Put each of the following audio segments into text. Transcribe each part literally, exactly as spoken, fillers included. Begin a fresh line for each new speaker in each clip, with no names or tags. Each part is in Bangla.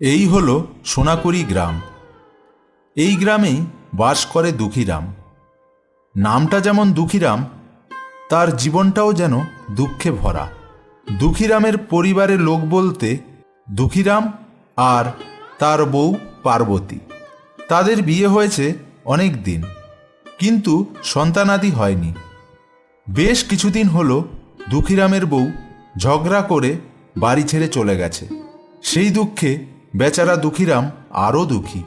এই হলো সোনাকুড়ি গ্রাম। এই গ্রামেই বাস করে দুঃখীরাম। নামটা যেমন দুঃখীরাম, তার জীবনটাও যেন দুঃখে ভরা। দুঃখীরামের পরিবারের লোক বলতে দুঃখীরাম আর তার বউ পার্বতী। তাদের বিয়ে হয়েছে অনেক দিন, কিন্তু সন্তানাদি হয়নি। বেশ কিছুদিন হলো দুঃখীরামের বউ ঝগড়া করে বাড়ি ছেড়ে চলে গেছে। সেই দুঃখে বেচারা দুঃখীরাম আরও দুঃখী।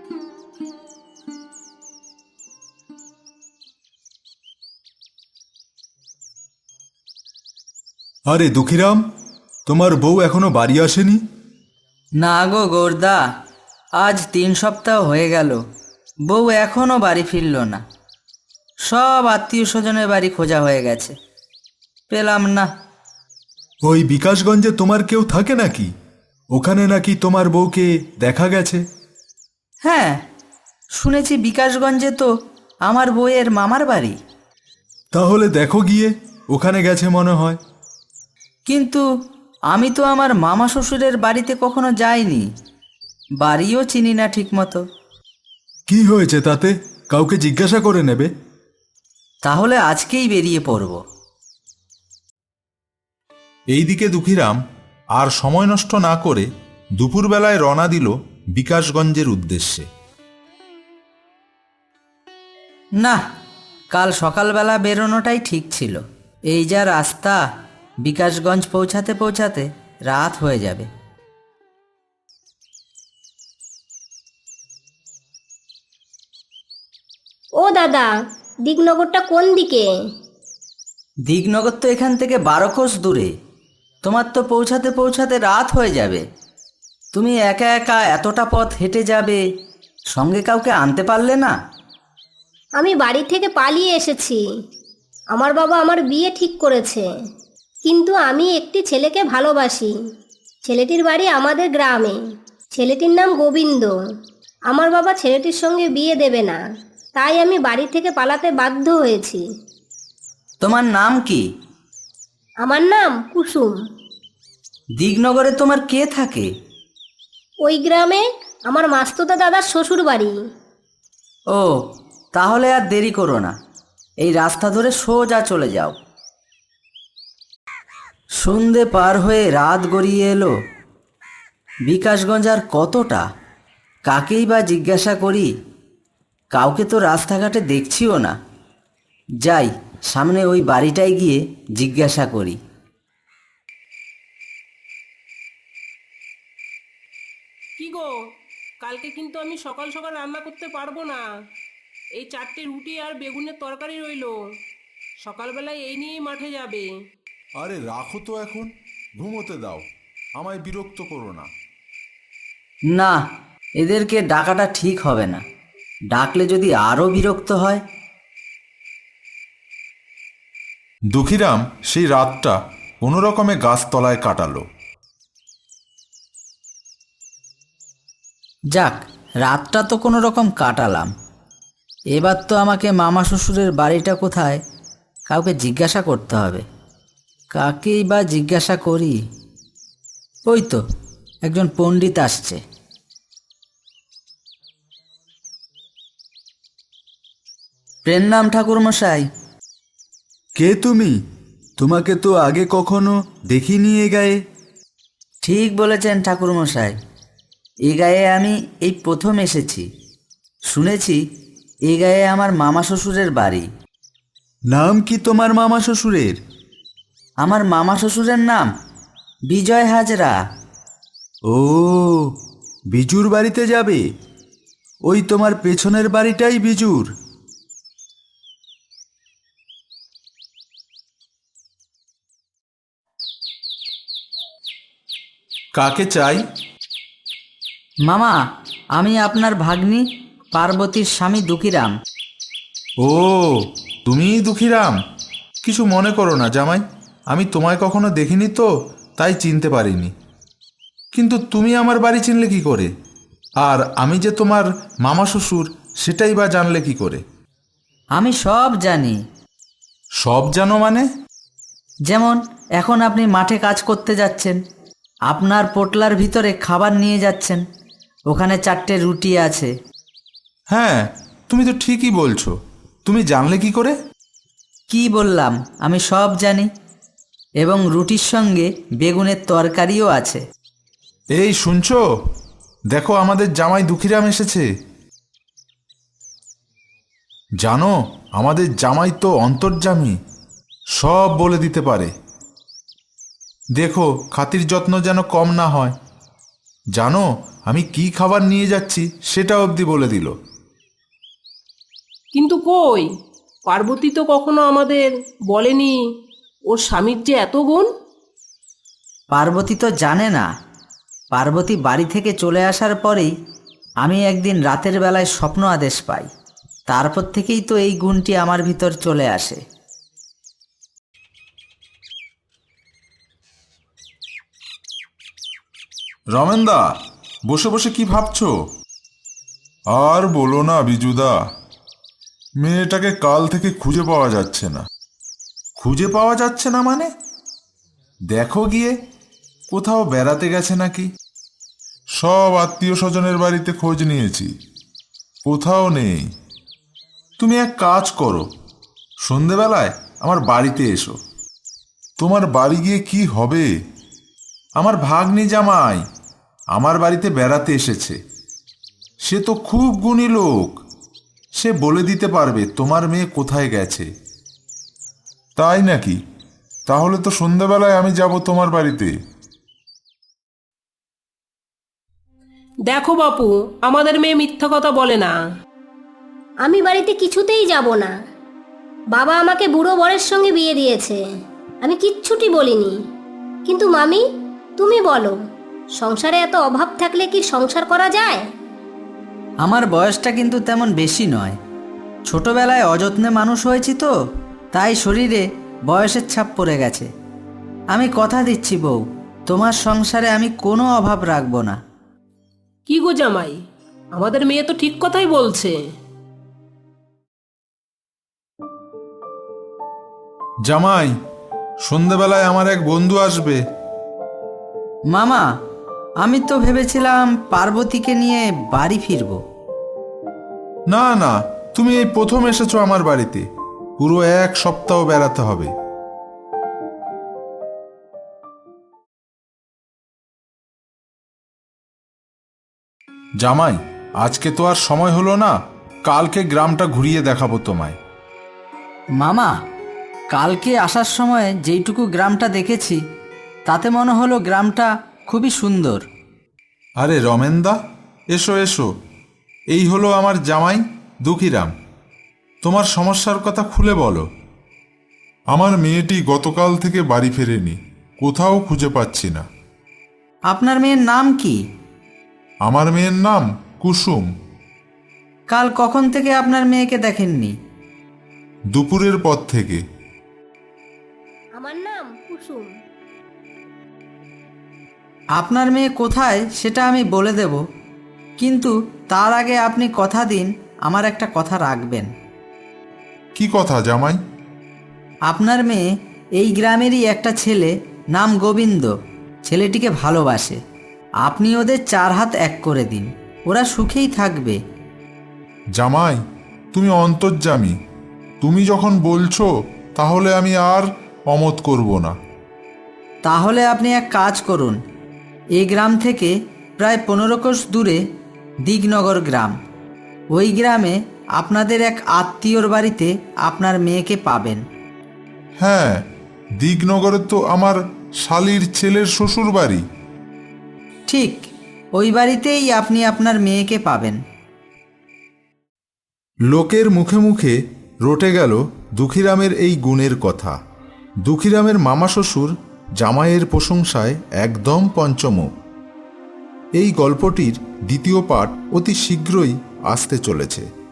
আরে দুঃখীরাম, তোমার বউ এখনো বাড়ি আসেনি?
না গো গোরদা, আজ তিন সপ্তাহ হয়ে গেল, বউ এখনো বাড়ি ফিরল না। সব আত্মীয় স্বজনের বাড়ি খোঁজা হয়ে গেছে, পেলাম না।
ওই বিকাশগঞ্জে তোমার কেউ থাকে নাকি? ওখানে নাকি তোমার বউকে দেখা গেছে।
হ্যাঁ, শুনেছি বিকাশগঞ্জে তো আমার বউয়ের মামার বাড়ি।
তাহলে দেখো গিয়ে, ওখানে গেছে মনে হয়।
কিন্তু আমি তো আমার মামা শ্বশুরের বাড়িতে কখনো যাইনি, বাড়িও চিনি না ঠিক মতো।
কি হয়েছে তাতে? কাউকে জিজ্ঞাসা করে নেবে।
তাহলে আজকেই বেরিয়ে পড়ব।
এইদিকে দুঃখীরাম আর সময় নষ্ট না করে দুপুরবেলায় রওনা দিল বিকাশগঞ্জের উদ্দেশ্যে।
না, কাল সকালবেলা বেরোনোটাই ঠিক ছিল। এই যা রাস্তা, বিকাশগঞ্জ পৌঁছাতে পৌঁছাতে রাত হয়ে যাবে।
ও দাদা, দিকনগরটা কোন দিকে?
দিগনগর তো এখান থেকে বারো কোষ দূরে। তোমার তো পৌঁছাতে পৌঁছাতে রাত হয়ে যাবে। তুমি একা একা এতটা পথ হেঁটে যাবে, সঙ্গে কাউকে আনতে পারলে না?
আমি বাড়ি থেকে পালিয়ে এসেছি। আমার বাবা আমার বিয়ে ঠিক করেছে, কিন্তু আমি একটি ছেলেকে ভালোবাসি। ছেলেটির বাড়ি আমাদের গ্রামে। ছেলেটির নাম গোবিন্দ। আমার বাবা ছেলেটির সঙ্গে বিয়ে দেবে না, তাই আমি বাড়ি থেকে পালাতে বাধ্য হয়েছি।
তোমার নাম কি?
আমার নাম কুসুম।
দিগনগরে তোমার কে থাকে?
ওই গ্রামে আমার মাস্তুতো দাদার শ্বশুর বাড়ি।
ও, তাহলে আর দেরি করো না, এই রাস্তা ধরে সোজা চলে যাও। সন্ধে পার হয়ে রাত গড়িয়ে এলো। বিকাশগঞ্জ আর কতটা, কাকেই বা জিজ্ঞাসা করি? কাউকে তো রাস্তাঘাটে দেখছিও না। যাই, সামনে ওই বাড়িটায় গিয়ে জিজ্ঞাসা করি।
কি গো, কালকে কিন্তু আমি সকাল সকাল রান্না করতে পারবো না। এই চারটে রুটি আর বেগুনের তরকারি রইলো, সকালবেলায় এই নিয়েই মাঠে যাবে।
আরে রাখো তো, এখন ঘুমোতে দাও, আমায় বিরক্ত করো না।
না, এদেরকে ডাকাটা ঠিক হবে না, ডাকলে যদি আরও বিরক্ত হয়।
দুঃখীরাম সেই রাতটা কোনো রকমে গাছতলায় কাটালো।
যাক, রাতটা তো কোনো রকম কাটালাম। এবার তো আমাকে মামা শ্বশুরের বাড়িটা কোথায় কাউকে জিজ্ঞাসা করতে হবে। কাকেই বা জিজ্ঞাসা করি? ওই তো একজন পণ্ডিত আসছে। প্রণাম ঠাকুরমশাই।
কে তুমি? তোমাকে তো আগে কখনো দেখিনি এ গায়ে।
ঠিক বলেছেন ঠাকুরমশাই, এ গায়ে আমি এই প্রথম এসেছি। শুনেছি এ গায়ে আমার মামা শ্বশুরের বাড়ি।
নাম কি তোমার মামা শ্বশুরের?
আমার মামা শ্বশুরের নাম বিজয় হাজরা।
ও, বিজুর বাড়িতে যাবে? ওই তোমার পেছনের বাড়িটাই বিজুর। কাকে চাই?
মামা, আমি আপনার ভাগ্নি পার্বতীর স্বামী দুঃখীরাম।
ও, তুমিই দুঃখীরাম। কিছু মনে করো না জামাই, আমি তোমায় কখনো দেখিনি তো, তাই চিনতে পারিনি। কিন্তু তুমি আমার বাড়ি চিনলে কি করে? আর আমি যে তোমার মামা শ্বশুর, সেটাই বা জানলে কি করে?
আমি সব জানি।
সব জানো মানে?
যেমন এখন আপনি মাঠে কাজ করতে যাচ্ছেন, আপনার পোটলার ভিতরে খাবার নিয়ে যাচ্ছেন, ওখানে চারটে রুটি আছে।
হ্যাঁ, তুমি তো ঠিকই বলছো। তুমি জানলে কি করে?
কি বললাম, আমি সব জানি। এবং রুটির সঙ্গে বেগুনের তরকারিও আছে।
এই শুনছো? দেখো, আমাদের জামাই দুঃখীরাম এসেছে। জানো, আমাদের জামাই তো অন্তর্যামী, সব বলে দিতে পারে। দেখো, খাতির যত্ন যেন কম না হয়। জানো, আমি কি খাবার নিয়ে যাচ্ছি সেটা অবধি বলে দিল।
কিন্তু কই, পার্বতী তো কখনো আমাদের বলেনি ওর স্বামীর যে এত গুণ।
পার্বতী তো জানে না। পার্বতী বাড়ি থেকে চলে আসার পরেই আমি একদিন রাতের বেলায় স্বপ্ন আদেশ পাই। তারপর থেকেই তো এই গুণটি আমার ভিতর চলে আসে।
রমেনদা, বসে বসে কি ভাবছো?
আর বলো না বিজুদা, মেয়েটাকে কাল থেকে খুঁজে পাওয়া যাচ্ছে না।
খুঁজে পাওয়া যাচ্ছে না মানে? দেখো গিয়ে, কোথাও বেড়াতে গেছে নাকি?
সব আত্মীয় স্বজনের বাড়িতে খোঁজ নিয়েছি, কোথাও নেই।
তুমি এক কাজ করো, সন্ধেবেলায় আমার বাড়িতে এসো।
তোমার বাড়ি গিয়ে কি হবে?
আমার ভাগ্নি জামাই আমার বাড়িতে বেড়াতে এসেছে। সে তো খুব গুণী লোক, সে বলে দিতে পারবে তোমার মেয়ে কোথায় গেছে।
তাই নাকি? তাহলে তো সন্ধ্যাবেলায় আমি যাব তোমার বাড়িতে।
দেখো বাপু, আমাদের মেয়ে মিথ্যা কথা বলে না।
আমি বাড়িতে কিছুতেই যাব না। বাবা আমাকে বুড়ো বরের সঙ্গে বিয়ে দিয়েছে, আমি কিচ্ছুটি বলিনি। কিন্তু মামি, তুমি বলো, সংসারে এত অভাব থাকলে কি সংসার করা যায়?
আমার বয়সটা কিন্তু তেমন বেশি নয়। ছোটবেলায় অযত্নে মানুষ হয়েছি তো, তাই শরীরে বয়সের ছাপ পড়ে গেছে। আমি কথা দিচ্ছি বউ, তোমার সংসারে আমি কোনো অভাব রাখবো না।
কি গো জামাই, আমাদের মেয়ে তো ঠিক কথাই বলছে।
জামাই, সন্ধেবেলায় আমার এক বন্ধু আসবে।
মামা, আমি তো ভেবেছিলাম পার্বতীকে নিয়ে বাড়ি ফিরবো।
না না, তুমি এই প্রথম এসেছো আমার বাড়িতে, পুরো এক সপ্তাহ বেড়াতে হবে। জামাই, আজকে তো আর সময় হলো না, কালকে গ্রামটা ঘুরিয়ে দেখাবো তোমায়।
মামা, কালকে আসার সময় যেইটুকু গ্রামটা দেখেছি তাতে মনে হলো গ্রামটা খুবই সুন্দর।
আরে রমেনদা, এসো এসো, এই হলো আমার জামাই দুঃখীরাম। তোমার সমস্যার কথা খুলে বলো।
আমার মেয়েটি গতকাল থেকে বাড়ি ফেরেনি, কোথাও খুঁজে পাচ্ছি না।
আপনার মেয়ের নাম কি?
আমার মেয়ের নাম কুসুম।
কাল কখন থেকে আপনার মেয়েকে দেখেননি?
দুপুরের পর থেকে।
আমার নাম কুসুম।
আপনার মেয়ে কোথায় সেটা আমি বলে দেব, কিন্তু তার আগে আপনি কথা দিন আমার একটা কথা রাখবেন।
কি কথা জামাই?
আপনার মেয়ে এই গ্রামেরই একটা ছেলে, নাম গোবিন্দ, ছেলেটিকে ভালোবাসে। আপনি ওদের চার হাত এক করে দিন, ওরা সুখেই থাকবে।
জামাই, তুমি অন্তর্যামী, তুমি যখন বলছো তাহলে আমি আর অমত করব না।
তাহলে আপনি এক কাজ করুন, এই গ্রাম থেকে প্রায় পনেরো কোষ দূরে দিগনগর গ্রাম, ওই গ্রামে আপনাদের এক আত্মীয়র বাড়িতে আপনার মেয়েকে পাবেন।
হ্যাঁ, দিগনগরে তো আমার শালির ছেলের শ্বশুর বাড়ি।
ঠিক ওই বাড়িতেই আপনি আপনার মেয়েকে পাবেন।
লোকের মুখে মুখে রটে গেল দুঃখীরামের এই গুণের কথা। দুঃখীরামের মামা শ্বশুর জামাইয়ের প্রশংসায় একদম পঞ্চমুখ। এই গল্পটির দ্বিতীয় পাঠ অতি শীঘ্রই আসতে চলেছে।